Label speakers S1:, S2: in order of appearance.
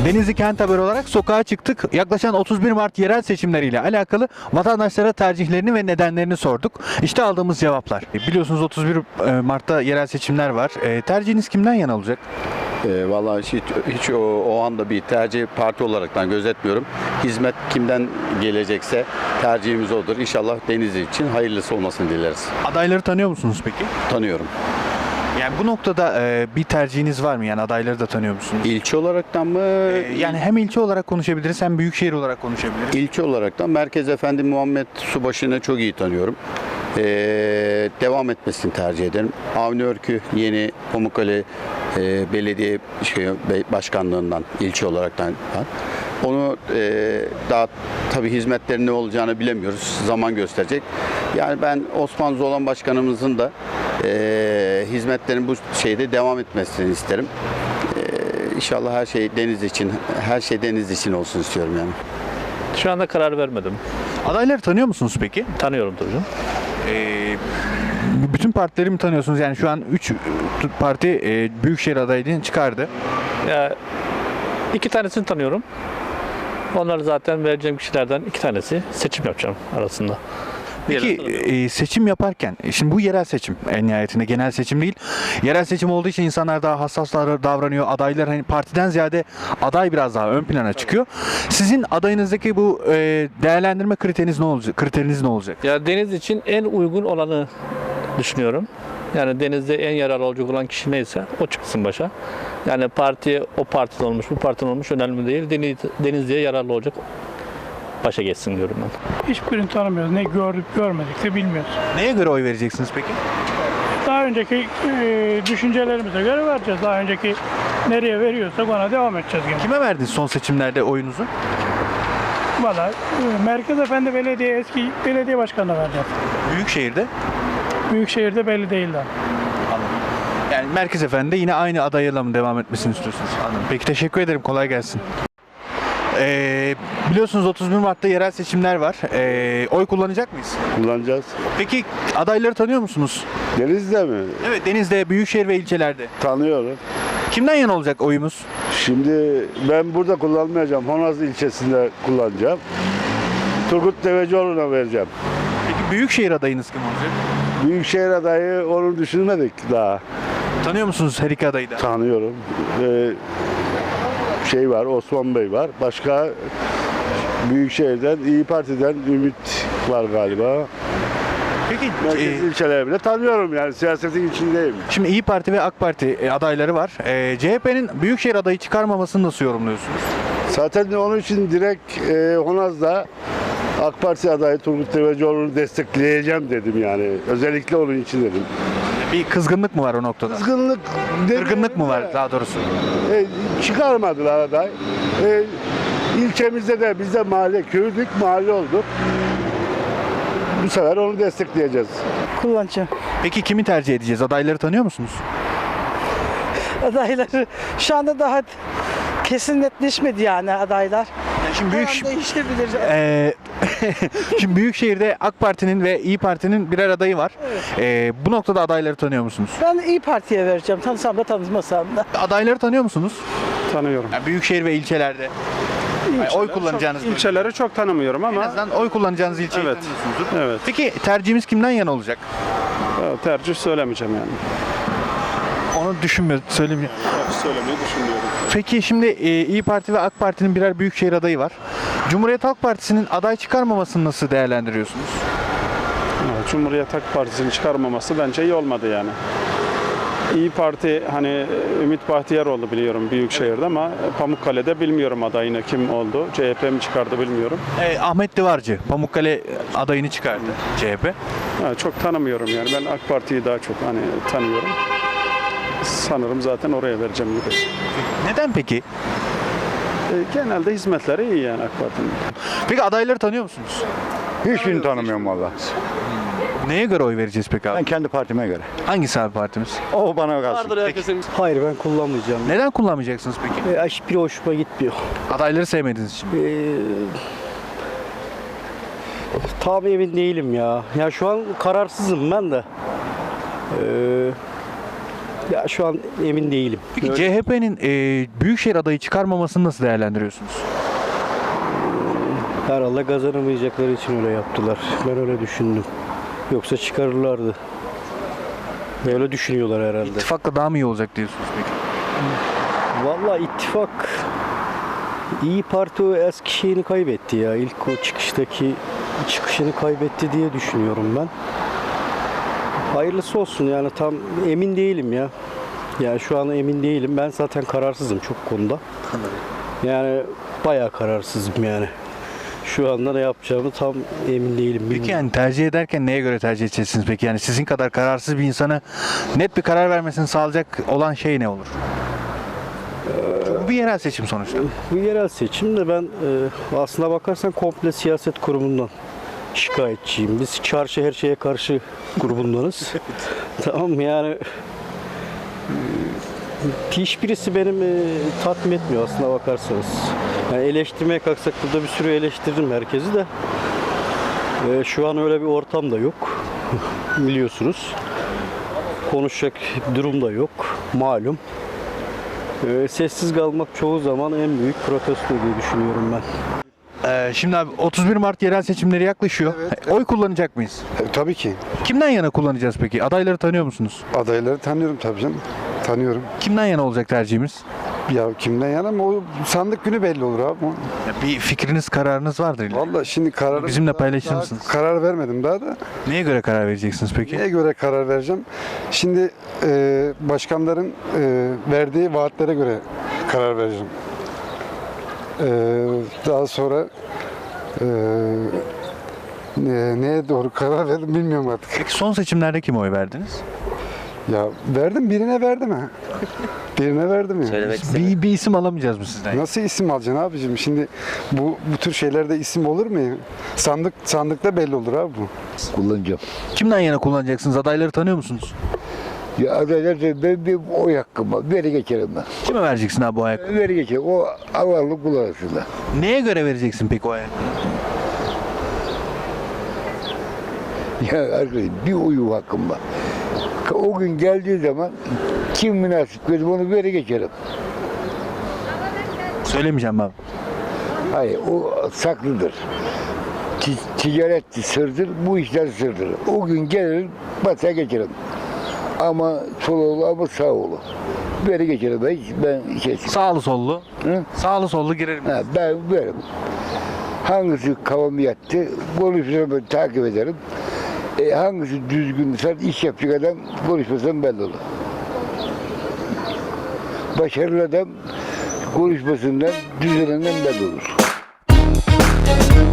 S1: Denizli Kent Haber olarak sokağa çıktık. Yaklaşan 31 Mart yerel seçimleriyle alakalı vatandaşlara tercihlerini ve nedenlerini sorduk. İşte aldığımız cevaplar. Biliyorsunuz 31 Mart'ta yerel seçimler var. Tercihiniz kimden yana olacak?
S2: Vallahi hiç o anda bir tercih parti olaraktan gözetmiyorum. Hizmet kimden gelecekse tercihimiz odur. İnşallah Denizli için hayırlısı olmasını dileriz.
S1: Adayları tanıyor musunuz peki?
S2: Tanıyorum.
S1: Yani bu noktada bir tercihiniz var mı? Yani adayları da tanıyor musunuz?
S2: İlçe olaraktan mı?
S1: Yani hem ilçe olarak konuşabiliriz hem büyükşehir olarak konuşabiliriz.
S2: İlçe olaraktan Merkez Efendi Muhammed Subaşı'nı çok iyi tanıyorum. Devam etmesini tercih ederim. Avni Örkü yeni Pamukkale Belediye Başkanlığından ilçe olaraktan onu daha tabii hizmetlerin ne olacağını bilemiyoruz. Zaman gösterecek. Yani ben Osman Zolan Başkanımızın da hizmetlerin bu şeyde devam etmesini isterim. İnşallah her şey Denizli için olsun istiyorum yani.
S3: Şu anda karar vermedim.
S1: Adayları tanıyor musunuz peki?
S3: Tanıyorum tabii canım.
S1: Bütün partileri mi tanıyorsunuz? Yani şu an 3 parti büyükşehir adaylığını çıkardı.
S3: Ya, iki tanesini tanıyorum. Onlar zaten vereceğim kişilerden iki tanesi. Seçim yapacağım arasında.
S1: Peki seçim yaparken, şimdi bu yerel seçim en nihayetinde genel seçim değil. Yerel seçim olduğu için insanlar daha hassas davranıyor. Adaylar hani partiden ziyade aday biraz daha ön plana çıkıyor. Sizin adayınızdaki bu değerlendirme kriteriniz ne olacak?
S3: Ya deniz için en uygun olanı düşünüyorum. Yani denizde en yararlı olacak olan kişi neyse o çıksın başa. Yani parti o partiden olmuş, bu partiden olmuş önemli değil. Denizli'ye yararlı olacak başa geçsin diyorum ben.
S4: Hiçbirini tanımıyoruz. Ne gördük görmedik de bilmiyoruz.
S1: Neye göre oy vereceksiniz peki?
S4: Daha önceki düşüncelerimize göre vereceğiz. Daha önceki nereye veriyorsak ona devam edeceğiz gene.
S1: Kime verdiniz son seçimlerde oyunuzu?
S4: Valla Merkez Efendi Belediye eski belediye başkanına vereceğiz.
S1: Büyükşehir'de.
S4: Büyükşehir'de belli değil daha.
S1: Yani Merkez Efendi'de yine aynı adayla mı devam etmesini istiyorsunuz? Anladım. Peki teşekkür ederim. Kolay gelsin. Biliyorsunuz 31 Mart'ta yerel seçimler var. Oy kullanacak mıyız?
S5: Kullanacağız.
S1: Peki adayları tanıyor musunuz?
S5: Denizli'de mi?
S1: Evet, Deniz'de, büyükşehir ve ilçelerde.
S5: Tanıyorum.
S1: Kimden yana olacak oyumuz?
S5: Şimdi ben burada kullanmayacağım. Honaz ilçesinde kullanacağım. Turgut Devecioğlu'na vereceğim.
S1: Peki büyükşehir adayınız kim olacak?
S5: Büyükşehir adayı onu düşünmedik daha.
S1: Tanıyor musunuz her iki adayı da?
S5: Tanıyorum. Var, Osman Bey var. Başka Büyükşehir'den, İyi Parti'den Ümit var galiba.
S1: Peki
S5: Merkez ilçeleri bile tanıyorum yani siyasetin içindeyim.
S1: şimdi İyi Parti ve AK Parti adayları var. CHP'nin büyükşehir adayı çıkarmamasını nasıl yorumluyorsunuz?
S5: Zaten onun için direkt Honaz'da AK Parti adayı Turgut Devecioğlu'nu destekleyeceğim dedim yani. Özellikle onun için dedim.
S1: Bir kızgınlık mı var o noktada? Kırgınlık mı var daha doğrusu?
S5: Çıkarmadılar aday. İlçemizde de biz de mahalle olduk. Bu sefer onu destekleyeceğiz.
S6: Kullanacağım.
S1: Peki kimi tercih edeceğiz? Adayları tanıyor musunuz?
S6: Adayları şu anda daha kesin netleşmedi yani adaylar.
S1: Yani şimdi
S6: Her an değişebilir.
S1: Şimdi Büyükşehir'de AK Parti'nin ve İyi Parti'nin birer adayı var. Bu noktada adayları tanıyor musunuz?
S6: Ben İyi Parti'ye vereceğim. Tanısam da tanımasam da.
S1: Adayları tanıyor musunuz?
S7: Tanıyorum.
S1: Yani Büyükşehir ve ilçelerde. Oy kullanacağınız bölge.
S7: İlçeleri çok tanımıyorum
S1: En
S7: ama
S1: azından oy kullanacağınız ilçeyi
S7: Evet.
S1: tanıyorsunuzdur.
S7: evet,
S1: Peki tercihimiz kimden yana olacak?
S7: tercih söylemeyeceğim yani.
S1: Onu söylemeyeceğim.
S7: Söylemeyi düşünmüyorum.
S1: Peki şimdi İyi Parti ve AK Parti'nin birer büyükşehir adayı var. Cumhuriyet Halk Partisi'nin aday çıkarmamasını nasıl değerlendiriyorsunuz?
S7: Cumhuriyet Halk Partisi'ni çıkarmaması bence iyi olmadı yani. İyi Parti hani Ümit Bahtiyaroğlu biliyorum Büyükşehir'de ama Pamukkale'de bilmiyorum adayını kim oldu. CHP mi çıkardı bilmiyorum.
S1: Ahmet Divarcı Pamukkale adayını çıkardı CHP.
S7: Çok tanımıyorum yani. Ben AK Parti'yi daha çok hani tanıyorum. Sanırım zaten oraya vereceğim gibi.
S1: Neden peki?
S7: Genelde hizmetleri iyi yani AK Parti'nin.
S1: Peki adayları tanıyor musunuz?
S8: Hiçbirini tanımıyorum valla.
S1: Neye göre oy vereceğiz peki
S8: Ben
S1: abi?
S8: kendi partime göre.
S1: Hangisi abi partimiz?
S8: O bana kalsın.
S9: Hayır ben kullanmayacağım.
S1: Neden kullanmayacaksınız peki?
S9: Hiçbiri hoşuma gitmiyor.
S1: Adayları sevmediğiniz için.
S9: Tam emin değilim ya. Ya şu an kararsızım ben de. Ya şu an emin değilim.
S1: Peki CHP'nin Büyükşehir adayı çıkarmamasını nasıl değerlendiriyorsunuz?
S9: Herhalde kazanamayacakları için öyle yaptılar. Ben öyle düşündüm. Yoksa çıkarırlardı. Böyle düşünüyorlar herhalde.
S1: İttifakla daha mı iyi olacak diyorsunuz peki?
S9: Vallahi ittifak İyi Parti o eski şeyini kaybetti ya. İlk o çıkışını kaybetti diye düşünüyorum ben. Hayırlısı olsun yani tam emin değilim ya. Yani şu an emin değilim. Ben zaten kararsızım çok konuda. Yani bayağı kararsızım yani. Şu anda ne yapacağımı tam emin değilim.
S1: Peki yani tercih ederken neye göre tercih edeceksiniz peki? Yani sizin kadar kararsız bir insana net bir karar vermesini sağlayacak olan şey ne olur? Çünkü bu bir yerel seçim sonuçta.
S9: Bu yerel seçimde ben aslına bakarsan komple siyaset kurumundan şikayetçiyim. Biz çarşı her şeye karşı grubundanız. Tamam mı? Yani hiçbirisi benim tatmin etmiyor aslına bakarsanız. Yani eleştirmeye kalksak burada bir sürü eleştirdim herkesi de. Şu an öyle bir ortam da yok. Biliyorsunuz. Konuşacak durum da yok. Malum. Sessiz kalmak çoğu zaman en büyük protesto diye düşünüyorum ben.
S1: Şimdi abi 31 Mart yerel seçimleri yaklaşıyor. Oy kullanacak mıyız?
S10: Tabii ki.
S1: Kimden yana kullanacağız peki? Adayları tanıyor musunuz?
S10: Adayları tanıyorum tabii canım. Tanıyorum.
S1: Kimden yana olacak tercihimiz?
S10: Ya kimden yana mı? O sandık günü belli olur abi.
S1: Bir fikriniz, kararınız vardır illa.
S10: Vallahi şimdi kararı...
S1: Bizimle paylaşır
S10: daha
S1: mısınız?
S10: Karar vermedim daha da.
S1: Neye göre karar vereceksiniz peki?
S10: Neye göre karar vereceğim? Şimdi başkanların verdiği vaatlere göre karar vereceğim. Daha sonra neye doğru karar verdim bilmiyorum artık.
S1: Peki son seçimlerde kime oy verdiniz?
S10: Ya verdim, birine verdim ha. Birine verdim ya.
S1: Bir isim alamayacağız mı sizden?
S10: Nasıl isim alacaksın abicim? Şimdi bu tür şeylerde isim olur mu ya? Sandıkta belli olur abi bu.
S8: Kullanacağım.
S1: Kimden yana kullanacaksınız? Adayları tanıyor musunuz?
S8: Ya adaylar ben bir oy hakkım var. Veri geçerim ben.
S1: Kime vereceksin abi o ayak?
S8: Veri geçerim. O Allah'lık kul arasında.
S1: Neye göre vereceksin peki o ayak?
S8: Ya arkadaşım bir oyu hakkım var. O gün geldiği zaman kim münasip gözüm onu veri geçerim.
S1: Söylemeyeceğim abi.
S8: Hayır o saklıdır. Ticaret sırdır, bu işler sırdır. O gün gelirim, basaya geçerim. Ama sol oğlu ama sağ oğlu. Veri geçerim ben kesin.
S1: Sağlı sollu.
S8: Hı?
S1: Sağlı sollu girerim.
S8: Ha, ben veririm. Hangisi kafamı yattı, konuşmasam takip ederim. Hangisi düzgün, sen iş yapacak adam konuşmasam belli olur. Başarılı adam konuşmasından, düzenenden belli olur.